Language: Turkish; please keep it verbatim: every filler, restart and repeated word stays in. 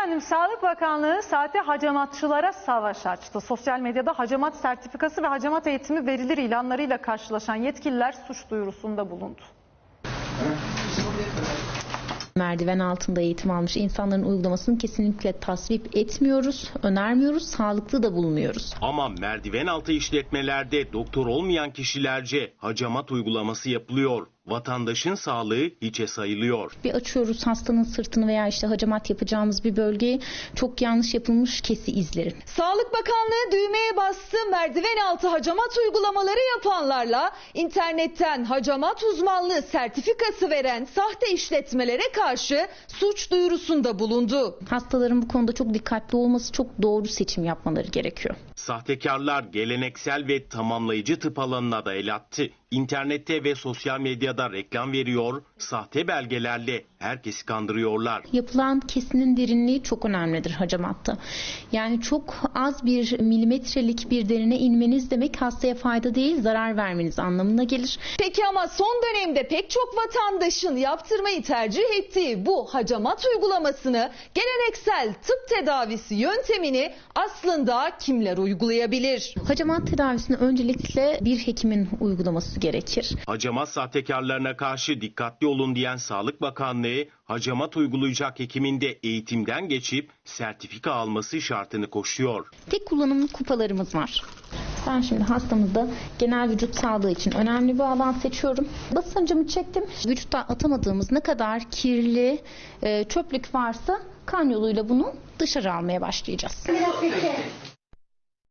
Efendim, Sağlık Bakanlığı sahte hacamatçılara savaş açtı. Sosyal medyada hacamat sertifikası ve hacamat eğitimi verilir ilanlarıyla karşılaşan yetkililer suç duyurusunda bulundu. Merdiven altında eğitim almış insanların uygulamasını kesinlikle tasvip etmiyoruz, önermiyoruz, sağlıklı da bulmuyoruz. Ama merdiven altı işletmelerde doktor olmayan kişilerce hacamat uygulaması yapılıyor. Vatandaşın sağlığı hiçe sayılıyor. Bir açıyoruz hastanın sırtını veya işte hacamat yapacağımız bir bölgeyi, çok yanlış yapılmış kesi izleri. Sağlık Bakanlığı düğmeye bastı. Merdiven altı hacamat uygulamaları yapanlarla internetten hacamat uzmanlığı sertifikası veren sahte işletmelere karşı suç duyurusunda bulundu. Hastaların bu konuda çok dikkatli olması, çok doğru seçim yapmaları gerekiyor. Sahtekarlar geleneksel ve tamamlayıcı tıp alanına da el attı. İnternette ve sosyal medyada reklam veriyor, sahte belgelerle herkesi kandırıyorlar. Yapılan kesinin derinliği çok önemlidir hacamatta. Yani çok az bir milimetrelik bir derine inmeniz demek hastaya fayda değil, zarar vermeniz anlamına gelir. Peki ama son dönemde pek çok vatandaşın yaptırmayı tercih ettiği bu hacamat uygulamasını, geleneksel tıp tedavisi yöntemini aslında kimler uygulayabilir? Hacamat tedavisini öncelikle bir hekimin uygulaması gerekir. Hacamat sahtekarlarına karşı dikkatli olun diyen Sağlık Bakanlığı, hacamat uygulayacak hekimin de eğitimden geçip sertifika alması şartını koşuyor. Tek kullanımlı kupalarımız var. Ben şimdi hastamızda genel vücut sağlığı için önemli bir alan seçiyorum. Basıncımı çektim. Vücutta atamadığımız ne kadar kirli çöplük varsa kan yoluyla bunu dışarı almaya başlayacağız.